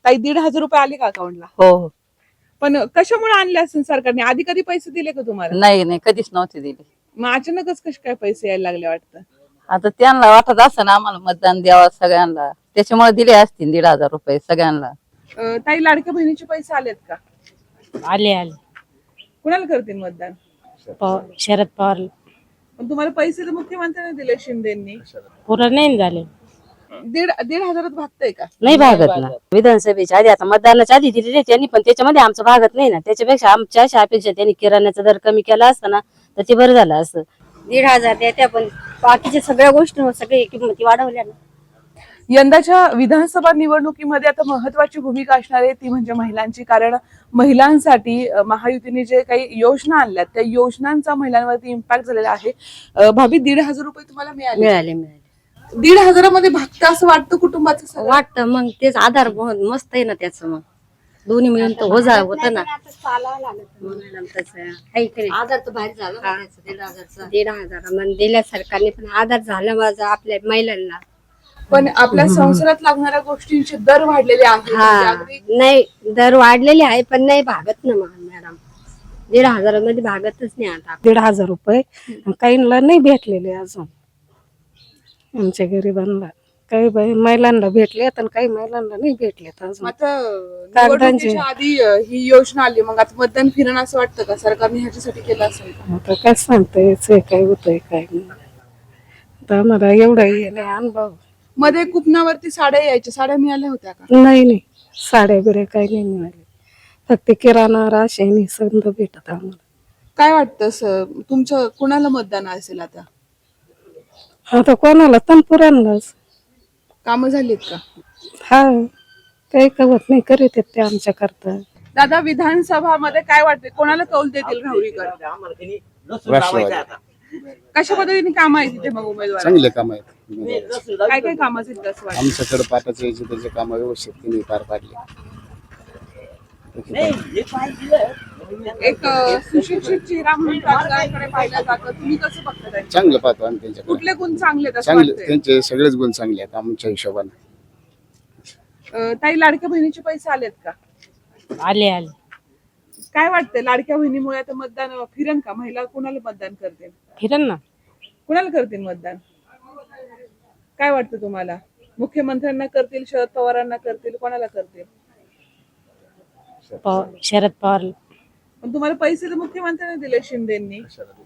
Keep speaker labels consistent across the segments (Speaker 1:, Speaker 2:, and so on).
Speaker 1: ताई 1,500 रुपये आले का अकाउंटला?
Speaker 2: हो हो.
Speaker 1: पण कशामुळे आणले असेल सरकारने? आधी कधी पैसे दिले का तुम्हाला?
Speaker 2: नाही नाही, कधीच नव्हते दिले.
Speaker 1: मग अचानकच कसे काय पैसे यायला लागले वाटतं?
Speaker 2: आता त्यांना वाटत असं ना आम्हाला मतदान द्यावं सगळ्यांना, त्याच्यामुळे दिले असतील 1,500 रुपये सगळ्यांना.
Speaker 1: ताई लाडक्या बहिणीचे पैसे आलेत का?
Speaker 3: आले आले.
Speaker 1: कुणाला करतील मतदान?
Speaker 3: शरद पवार.
Speaker 1: पण तुम्हाला पैसे तर मुख्यमंत्र्यांनी दिले, शिंदेनी.
Speaker 3: पुरं नाही झाले.
Speaker 1: 1,500 भागतंय का?
Speaker 3: नाही भागत ना. विधानसभेच्या आधी आता मतदानाच्या आधी दिलेले त्यांनी, पण त्याच्यामध्ये आमचं भागत नाही ना. त्याच्यापेक्षा आमच्या अशा अपेक्षा त्यांनी किराण्याचा दर कमी केला असता ना तर ते बरं झालं असं. 1,500 द्या, पण बाकीच्या सगळ्या गोष्टी सगळ्या किंमती वाढवल्या ना.
Speaker 1: यंदाच्या विधानसभा निवडणुकीमध्ये आता महत्वाची भूमिका असणार आहे ती म्हणजे महिलांची. कारण महिलांसाठी महायुतीने जे काही योजना आणल्यात त्या योजनांचा महिलांवरती इम्पॅक्ट झालेला आहे. भाभी 1,500 रुपये तुम्हाला मिळाले?
Speaker 3: मिळाले.
Speaker 1: 1,500 मध्ये भागतं असं वाटतं कुटुंबाचं सगळं?
Speaker 3: वाटतं मग तेच आधार मस्त आहे ना त्याचं. मग दोन्ही मिळून तर होत ना. आधार तर बाहेर झाला 1,500 मग दिल्या सरकारने, पण आधार झाला माझा आपल्या महिलांना.
Speaker 1: पण आपल्या संसारात लागणाऱ्या गोष्टींचे दर वाढलेले आहेत.
Speaker 3: नाही दर वाढलेले आहे, पण नाही भागत ना मॅडम. 1,500 मध्ये भागतच नाही. आता
Speaker 4: 1,500 रुपये काहींना नाही भेटलेले अजून. आमच्या गरिबांना काही महिलांना भेटले तर काही महिलांना नाही भेटलेत अजून.
Speaker 1: आता निवडणुकीच्या आधी ही योजना आली, मग आता मतदान फिरणं असं वाटतं का सरकारने ह्याच्यासाठी केलं असेल का?
Speaker 4: आता काय सांगता यायचंय काय होतंय काय नाही. आता आम्हाला एवढा हे नाही अनुभव.
Speaker 1: मध्ये कुपनावरती साड्या यायच्या, साड्या मिळाल्या होत्या का?
Speaker 4: नाही साड्या बिड्या काही नाही मिळाले. फक्त किराणा राशन समजा भेटत आम्हाला.
Speaker 1: काय वाटतं तुमचं कुणाला मतदान असेल आता?
Speaker 4: आता कोणाला तनपुरांनाच.
Speaker 1: कामं झालीत का?
Speaker 4: हा काही कवत नाही करीत ते आमच्या करता.
Speaker 1: दादा, विधानसभा मध्ये काय वाटते, कोणाला कौल देतील राहुरीकर? कशा पद्धतीने काम आहे तिथे मग उमेदवार?
Speaker 5: चांगले काम आहेत.
Speaker 1: काय काय काम असतील असं वाटतं?
Speaker 5: आमच्याकडे पाटाचे त्याचे काम व्यवस्थित त्यांनी पार पाडले.
Speaker 1: एक सुशिक्षित चेहरा म्हणून राजकारणाकडे पाहिलं जातं, तुम्ही कसं बघता त्यांच्याकडे?
Speaker 5: चांगलं पाहतो आम्ही त्यांच्याकडे.
Speaker 1: कुठले गुण चांगले आहेत असं
Speaker 5: चांगले
Speaker 1: वाटतंय?
Speaker 5: त्यांचे सगळेच गुण चांगले आहेत आमच्या हिशोबाने.
Speaker 1: ताई लाडक्या बहिणीचे पैसे आलेत का?
Speaker 3: आले आले.
Speaker 1: काय वाटतंय लाडक्या बहिणीमुळे आता मतदान फिरण का? महिला कुणाला मतदान करतील?
Speaker 3: फिरण ना.
Speaker 1: कुणाला करतील मतदान? काय वाटतं तुम्हाला? मुख्यमंत्र्यांना करतील, शरद पवारांना करतील, कोणाला करतील?
Speaker 3: शरद पवार.
Speaker 1: पण तुम्हाला पैसे तर मुख्यमंत्र्यांनी दिले, शिंदेनी.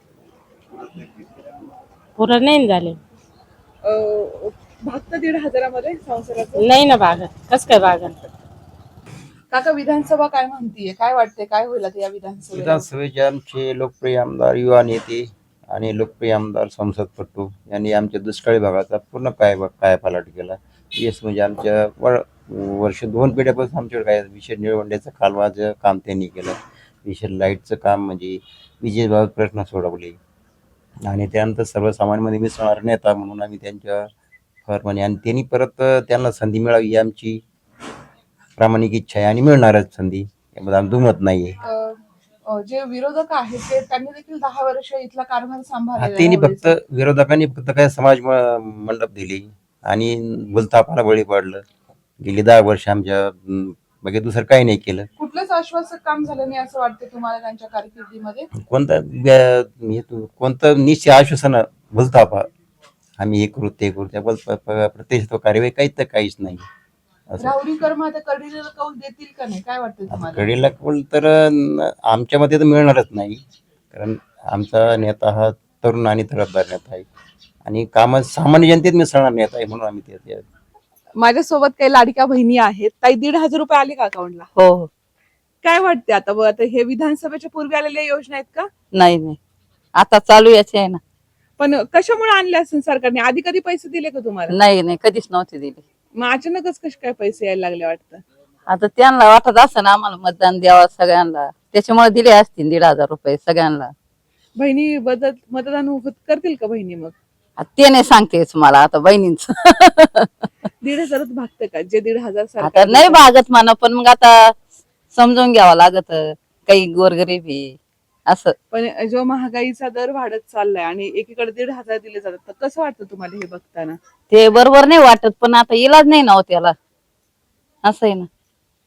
Speaker 3: पुरं नाही झाले.
Speaker 1: भागतं 1,500 मध्ये संसाराचं?
Speaker 3: नाही ना भागत. कस काय भागत?
Speaker 1: काका, विधानसभा काय म्हणतीये? काय वाटते काय होईल आता या विधानसभेत?
Speaker 6: विधानसभेचे आमचे लोकप्रिय आमदार, युवा नेते आणि लोकप्रिय आमदार संसदपटू यांनी आमच्या दुष्काळी भागाचा पूर्ण कायापालट केला. येस म्हणजे आमच्या वर्ष 2 पिढ्यापासून आमच्याकडे काय विशेष निळवंड्याचं कालवाचं काम त्यांनी केलं. विशेष लाईटचं काम म्हणजे विजेबाबत प्रश्न सोडवले. आणि त्यानंतर सर्वसामान्यमध्ये मिसळणारा नेता म्हणून आम्ही त्यांच्या फरमाने, आणि त्यांनी परत त्यांना संधी मिळावी ही आमची प्रामाणिक इच्छा आहे आणि मिळणारच संधी, यामध्ये आम्ही दुमत नाहीये.
Speaker 1: जे विरोधक आहेत ते त्यांनी देखील 10 वर्ष इथला कारभार सांभाळला.
Speaker 6: त्यांनी फक्त विरोधकांनी फक्त काय समाज मंडप दिली आणि भूलथापाला बळी पडलं. गेली 10 वर्ष आमच्या बाकी दुसरं काही नाही केलं.
Speaker 1: कुठलंच आश्वासक काम झालं नाही असं वाटतं तुम्हाला त्यांच्या कारकिर्दीमध्ये?
Speaker 6: कोणतं निश्चित आश्वासन भूलथापा, आम्ही हे करू ते करू, त्या प्रत्यक्ष कार्यवाही काहीच नाही.
Speaker 1: राहुरीकर मग आता कडेला कौल देतील का नाही, काय वाटतं तुम्हाला?
Speaker 6: कडेला कौल तर आमच्या मध्ये तर मिळणारच नाही, कारण आमचा नेता हा तरुण आणि तरफदार नेता आहे आणि काम सामान्य जनतेत मिसळणार नेता आहे, म्हणून आम्ही ते.
Speaker 1: माझ्यासोबत काही लाडक्या बहिणी आहेत. ताई 1,500 रुपये आले का अकाउंटला?
Speaker 2: हो हो.
Speaker 1: काय वाटते आता हे विधानसभेच्या पूर्वी आलेल्या योजना आहेत का?
Speaker 2: नाही आता चालू याचे आहे ना.
Speaker 1: पण कशामुळे आणले असेल सरकारने? आधी कधी पैसे दिले का तुम्हाला?
Speaker 2: नाही कधीच नव्हते दिले.
Speaker 1: मग अचानकच कसे काय पैसे यायला लागले वाटतं?
Speaker 2: आता त्यांना वाटत असं ना आम्हाला मतदान द्यावं सगळ्यांना, त्याच्यामुळे दिले असतील 1,500 रुपये सगळ्यांना.
Speaker 1: बहिणी मतदान करतील का बहिणी मग?
Speaker 2: ते नाही सांगतेच मला आता बहिणींच.
Speaker 1: 1,500 भागतं का? जे 1,500
Speaker 2: आता नाही भागत म्हणा, पण मग आता समजून घ्यावं लागत, काही गोरगरीबी असं.
Speaker 1: पण जो महागाईचा दर वाढत चाललाय आणि एकीकडे 1,500 दिले जातात, तर कसं वाटतं तुम्हाला हे बघताना?
Speaker 2: ते बरोबर नाही वाटत, पण आता इलाज नाही ना हो त्याला, असं आहे ना.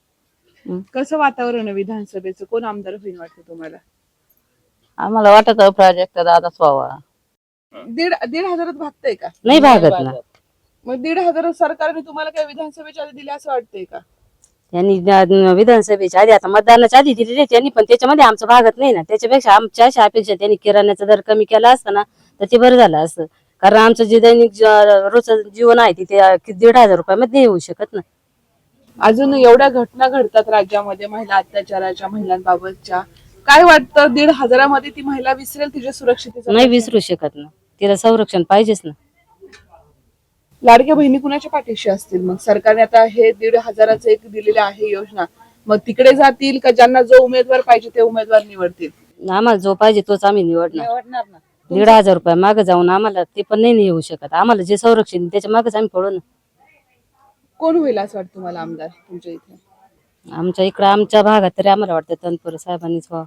Speaker 1: कसं वातावरण आहे विधानसभेचं? कोण आमदार होईल वाटतं तुम्हाला?
Speaker 2: आम्हाला वाटत प्रोजेक्ट दादाच व्हावा.
Speaker 1: दीड दीड हजारात भागतंय का?
Speaker 3: नाही भागत ना.
Speaker 1: मग 1,500 सरकारने तुम्हाला काय विधानसभेच्या आधी दिले असं वाटतंय का?
Speaker 3: त्यांनी विधानसभेच्या आधी आता मतदानाच्या आधी दिलेले त्यांनी, पण त्याच्यामध्ये आमचं भागत नाही ना. त्याच्यापेक्षा आमच्या अशा अपेक्षा त्यांनी किराण्याचा दर कमी केला असता ना तर ते बरं झालं असतं. कारण आमचं जे दैनिक रोजचं जीवन आहे ते 1,500 रुपयामध्ये नाही येऊ शकत ना.
Speaker 1: अजून एवढ्या घटना घडतात राज्यामध्ये महिला अत्याचाराच्या, महिलांबाबतच्या. काय वाटतं 1,500 मध्ये ती महिला विसरेल तिच्या सुरक्षितेचा?
Speaker 3: नाही विसरू शकत ना. तिला संरक्षण पाहिजेच ना.
Speaker 1: लाडक्या बहिणी कुणाच्या पाठीशी असतील मग? सरकारने आता हे 1,500चं एक दिलेलं आहे योजना, मग तिकडे जातील का ज्यांना जो उमेदवार पाहिजे ते उमेदवार निवडतील?
Speaker 3: आम्हाला जो पाहिजे तोच आम्ही निवडणार. 1,500 रुपये मागे जाऊन आम्हाला ते पण नाही येऊ शकत. आम्हाला जे संरक्षण त्याच्या मागेच आम्ही पडू ना.
Speaker 1: कोण होईल असं वाटतं तुम्हाला आमदार तुमच्या इथे?
Speaker 3: आमच्या इकडं आमच्या भागात तरी आम्हाला वाटतं तनपुरे साहेबांनीच व्हावं.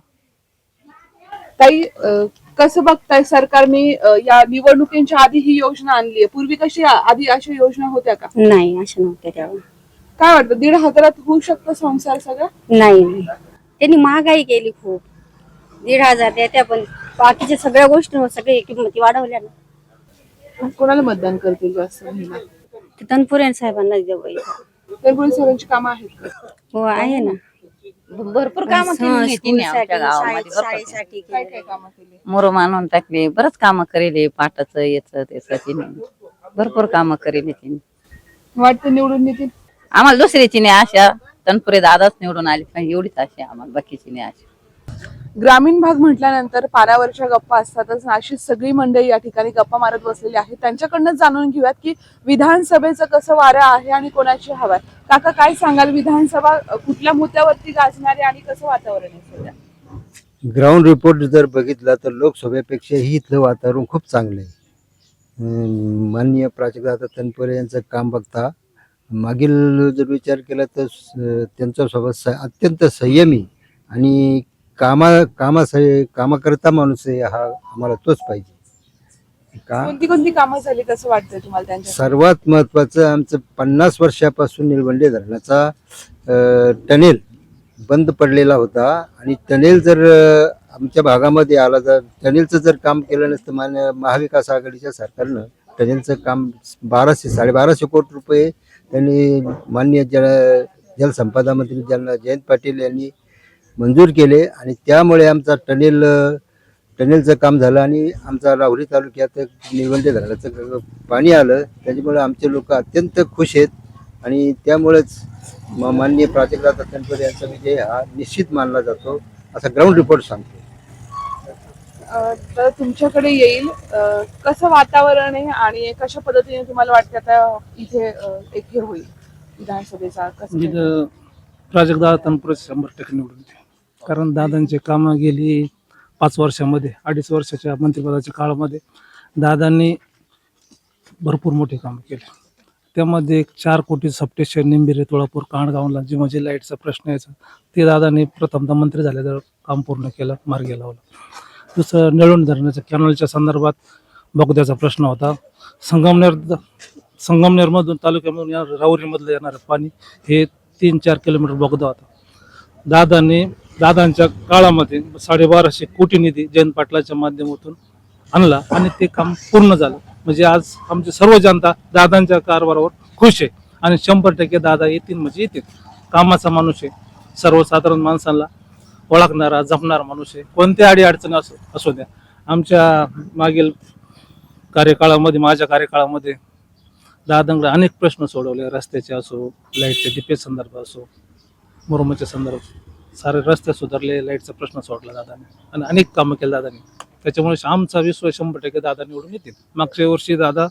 Speaker 1: ताई, कसं बघताय सरकारने या निवडणुकींच्या आधी ही योजना आणली आहे? पूर्वी कशी आधी अशा योजना होत्या का?
Speaker 7: नाही अशा नव्हत्या तेव्हा.
Speaker 1: काय वाटतं 1,500त होऊ शकतो संसार सगळा?
Speaker 7: नाही त्यांनी महागाई केली खूप. 1,500 देत्या पण बाकीच्या सगळ्या गोष्टी सगळे किंमती वाढवल्या ना.
Speaker 1: कोणाला मतदान करतील जास्त महिला?
Speaker 7: ते तनपुरे साहेबांना देऊ.
Speaker 1: तनपुरे साहेबांची कामं आहेत का?
Speaker 7: हो आहे ना.
Speaker 2: भरपूर कामं केली तिने आमच्या गावामध्ये. भरपूर
Speaker 7: शाळेसाठी
Speaker 1: काय काय कामं केली?
Speaker 2: मुरुम आणून टाकले, बरंच कामं करेले, पाटाचं याचं त्याचं तिने भरपूर कामं करेले तिने.
Speaker 1: वाटतं निवडून येतील?
Speaker 2: आम्हाला दुसऱ्याची नाही आशा, तनपुरे दादाच निवडून आली पाहिजे एवढीच आशा आहे आम्हाला, बाकीची नाही आशा.
Speaker 1: ग्रामीण भाग म्हटल्यानंतर पारावरच्या गप्पा असतातच. अशी सगळी मंडळी या ठिकाणी गप्पा मारत बसलेली आहे. त्यांच्याकडनं जाणून घेऊयात की विधानसभेचं कसं वारं आहे आणि कोणाची हवा आहे. काका, काय सांगाल? विधानसभा कुठल्या मुद्द्यावरती गाजणार आहे आणि कसं वातावरण आहे सध्या?
Speaker 8: ग्राउंड रिपोर्ट जर बघितला तर लोकसभेपेक्षाही इथलं वातावरण खूप चांगलं आहे. माननीय प्राजक्ता तनपुरे यांचं काम बघता मागील जर विचार केला तर त्यांचा स्वभाव अत्यंत संयमी आणि कामाकरता माणूस आहे हा, आम्हाला तोच पाहिजे.
Speaker 1: कोणती कोणती कामं झाली कसं वाटतंय तुम्हाला त्यांच्या?
Speaker 8: सर्वात महत्वाचं आमचं 50 वर्षापासून निळवंडे धरणाचा टनेल बंद पडलेला होता आणि टनेल जर आमच्या भागामध्ये आला तर टनेलचं जर काम केलं नसतं महाविकास आघाडीच्या सरकारनं टनेलचं काम 1,200-1,250 कोटी रुपये त्यांनी माननीय जलसंपदा मंत्री जयंत पाटील यांनी मंजूर केले आणि त्यामुळे आमचा टनेलचं काम झालं आणि आमचा राहुरी तालुक्यात निळवंडे धरणाचं पाणी आलं. त्याच्यामुळे आमचे लोक अत्यंत खुश आहेत आणि त्यामुळेच माननीय प्राजक्ता तनपुरे यांचा विजय हा निश्चित मानला जातो असा ग्राउंड रिपोर्ट सांगतो.
Speaker 1: तर तुमच्याकडे येईल, कसं वातावरण आहे आणि कशा पद्धतीने तुम्हाला वाटतं आता इथे एक हे होईल विधानसभेचा? कसं
Speaker 9: प्राजक्ता तनपुरे 100% निवडून येते. कारण दादांचे कामं गेली 5 वर्षामध्ये, 2.5 वर्षाच्या मंत्रिपदाच्या काळामध्ये दादांनी भरपूर मोठे कामं केले. त्यामध्ये 4 कोटी सबस्टेशन निंबिरे, तुळापूर, कांडगावला जे म्हणजे लाईटचा प्रश्न यायचा ते दादांनी प्रथमतः मंत्री झाल्यावर काम पूर्ण केलं, मार्गी लावलं. दुसरं निळवंडे धरणाच्या कॅनलच्या संदर्भात बोगद्याचा प्रश्न होता. संगमनेरमधून तालुक्यामधून राहुरीमधलं येणारं पाणी हे 3-4 किलोमीटर बोगदा होता. दादांच्या काळामध्ये 1250 कोटी निधी जयंत पाटलाच्या माध्यमातून आणला आणि ते काम पूर्ण झालं. म्हणजे आज आमची सर्व जनता दादांच्या कारभारावर खुश आहे आणि 100% दादा येतील म्हणजे येतील. कामाचा माणूस आहे, सर्वसाधारण माणसांना ओळखणारा, जपणारा माणूस आहे. कोणत्या अडीअडचणी असू द्या. आमच्या मागील कार्यकाळामध्ये, माझ्या कार्यकाळामध्ये दादांकडे अनेक प्रश्न सोडवले. रस्त्याचे असो, लाईटच्या डिपे संदर्भात असो, मुरुमाच्या संदर्भात सारे रस्ते सुधारले, लाईटचा प्रश्न सोडला दादाने आणि अनेक कामं केले दादाने. त्याच्यामुळे आमचा विश्वास 100% दादा निवडून येतील. मागच्या वर्षी दादा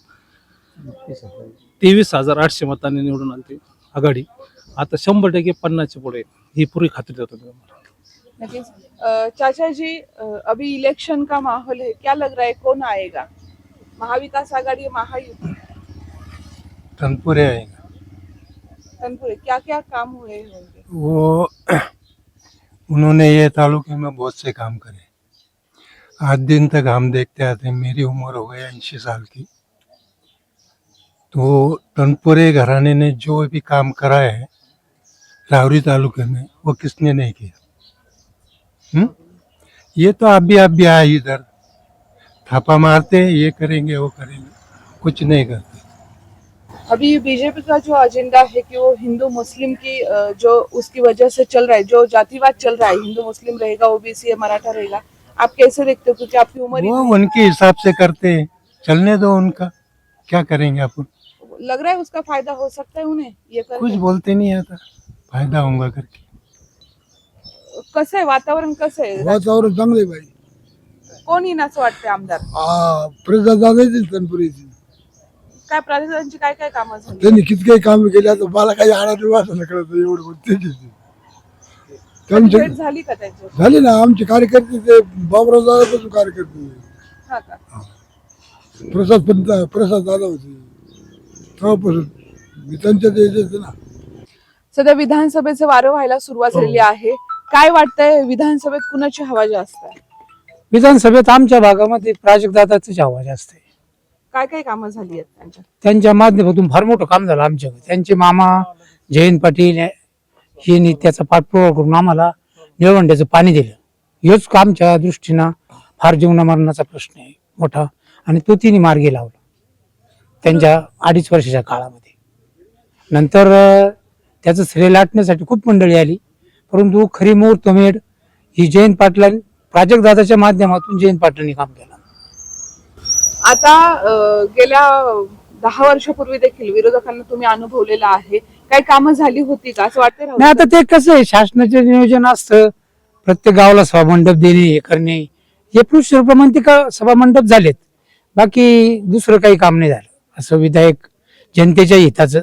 Speaker 9: 23,800 मतांनी निवडून आली आघाडी. आता 100% 50च्या पुढे, ही पूरी खात्री देतो मी तुम्हाला.
Speaker 1: नक्कीच. चाचा जी, अभी इलेक्शन का माहौल है, क्या लग रहा है कौन आएगा? महाविकास आघाड़ी, महायुति?
Speaker 10: तनपुरे आएगा।
Speaker 1: तनपुरे क्या क्या काम हुए होंगे?
Speaker 10: वो उन्होंने ये तालुके में बहुत से काम करे। आज दिन तक हम देखते आते हैं, मेरी उम्र हो गई 80 साल की, तो तनपुरे घराने ने जो भी काम करा है रावरी तालुके में, वो किसने नहीं किया? ये तो अभी आए इधर, थापा मारते हैं, ये करेंगे वो करेंगे, कुछ नहीं करते।
Speaker 1: अभी बीजेपी का जो एजेंडा है कि वो हिंदू मुस्लिम की जो उसकी वजह से चल रहा है, जो जातिवाद चल रहा है, हिंदू मुस्लिम रहेगा, ओबीसी है, मराठा रहेगा, आप कैसे देखते हो? क्योंकि आपकी उम्र
Speaker 10: वो उनके हिसाब से करते हैं, चलने दो उनका, क्या करेंगे अपन?
Speaker 1: लग रहा है उसका फायदा हो सकता है उन्हें ये
Speaker 10: कुछ
Speaker 1: करके।
Speaker 10: बोलते नहीं आता, फायदा होगा करके।
Speaker 1: कसं आहे वातावरण, कसं आहे?
Speaker 11: वातावरण चांगले बाई.
Speaker 1: कोण येईल असं वाटतंय आमदार?
Speaker 11: प्रसाद दादा येतील तनपुरीची.
Speaker 1: काय प्राधिकरणाची काय काय कामं झाली?
Speaker 11: त्यांनी किती काही काम केले, आता मला काही आडाणी वाचणं कळत एवढं बोलते.
Speaker 1: कधी भेट झाली का त्यांची?
Speaker 11: झाले ना आमचे कार्यकर्ते, ते बाबराव दादापासून कार्यकर्ते.
Speaker 1: हा का?
Speaker 11: प्रसाद दादा होते तेव्हापासून मी त्यांच्यात यायचे ना.
Speaker 1: सध्या विधानसभेचं वारं व्हायला सुरुवात झालेली आहे. काय वाटतंय विधानसभेत कुणाची हवा जास्त आहे?
Speaker 12: विधानसभेत आमच्या भागामध्ये प्राजक्तदादाचीच हवा जास्त आहे.
Speaker 1: काय काय कामं झाली आहेत त्यांच्या?
Speaker 12: त्यांच्या माध्यमातून फार मोठं काम झालं आमच्याकडे. त्यांचे मामा जयंत पाटील यांनी त्याचा पाठपुरावा करून आम्हाला निळवंड्याचं पाणी दिलं. हेच आमच्या दृष्टीनं फार जीवनामरणाचा प्रश्न आहे मोठा, आणि तो तिने मार्गी लावला त्यांच्या 2.5 वर्षाच्या काळामध्ये. नंतर त्याचं श्रेय लाटण्यासाठी खूप मंडळी आली, परंतु खरी मुहूर्तमेढ ही जयंत पाटलांनी, प्राजक्तदादाच्या माध्यमातून जयंत पाटलांनी काम केलं.
Speaker 1: आता गेल्या 10 वर्षापूर्वी देखील विरोधकांना तुम्ही अनुभवलेला आहे. काही कामं झाली होती का असं वाटतंय?
Speaker 12: नाही, आता ते कसं आहे, शासनाचे नियोजन असतं, प्रत्येक गावाला सभामंडप देणे, हे करणे, हे पुरुषप्रमाणे ते सभामंडप झालेत, बाकी दुसरं काही काम नाही झालं. असं विधायक जनतेच्या हिताचं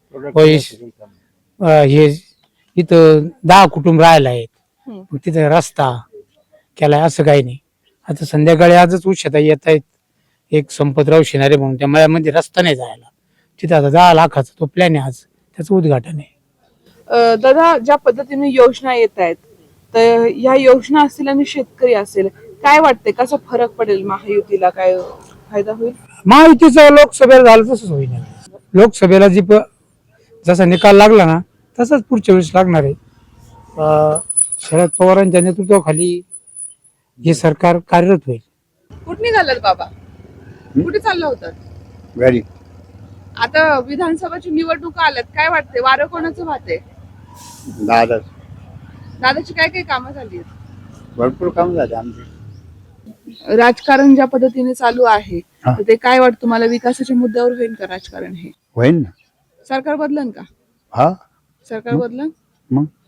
Speaker 12: हे इथं 10 कुटुंब राहायला आहेत, मग तिथं रस्ता केलाय असं काही नाही. आता संध्याकाळी आजच उशता येत आहेत, एक संपतराव शिनारे म्हणून, त्या मळ्यामध्ये रस्ता नाही जायला, तिथं आता 10 लाखाचा तो प्लॅन आहे, आज त्याचं उद्घाटन आहे.
Speaker 1: दादा, ज्या पद्धतीने योजना येत आहेत, तर ह्या योजना असतील आणि शेतकरी असेल, काय वाटतंय कसा फरक पडेल? महायुतीला काय फायदा होईल?
Speaker 12: महायुतीचं लोकसभेला झालं तसंच होईल. लोकसभेला जसा निकाल लागला ना, तसंच पुढच्या वेळेस लागणार आहे. शरद पवारांच्या नेतृत्वाखाली हे सरकार कार्यरत होईल.
Speaker 1: कुठे निघालात बाबा? कुठे चाललं होतं?
Speaker 5: घरी.
Speaker 1: आता विधानसभाची निवडणुका आल्यात, काय वाटतंय वारं कोणाचं वाहतंय?
Speaker 5: दादा
Speaker 1: दादाची काय काय कामं झाली आहेत?
Speaker 5: भरपूर काम झाले आमचे.
Speaker 1: राजकारण ज्या पद्धतीने चालू आहे, तर ते काय वाटतं तुम्हाला? विकासाच्या मुद्द्यावर होईल का राजकारण? हे
Speaker 5: होईल ना.
Speaker 1: सरकार बदलन का?
Speaker 5: हा
Speaker 1: सरकार बदलन?
Speaker 5: मग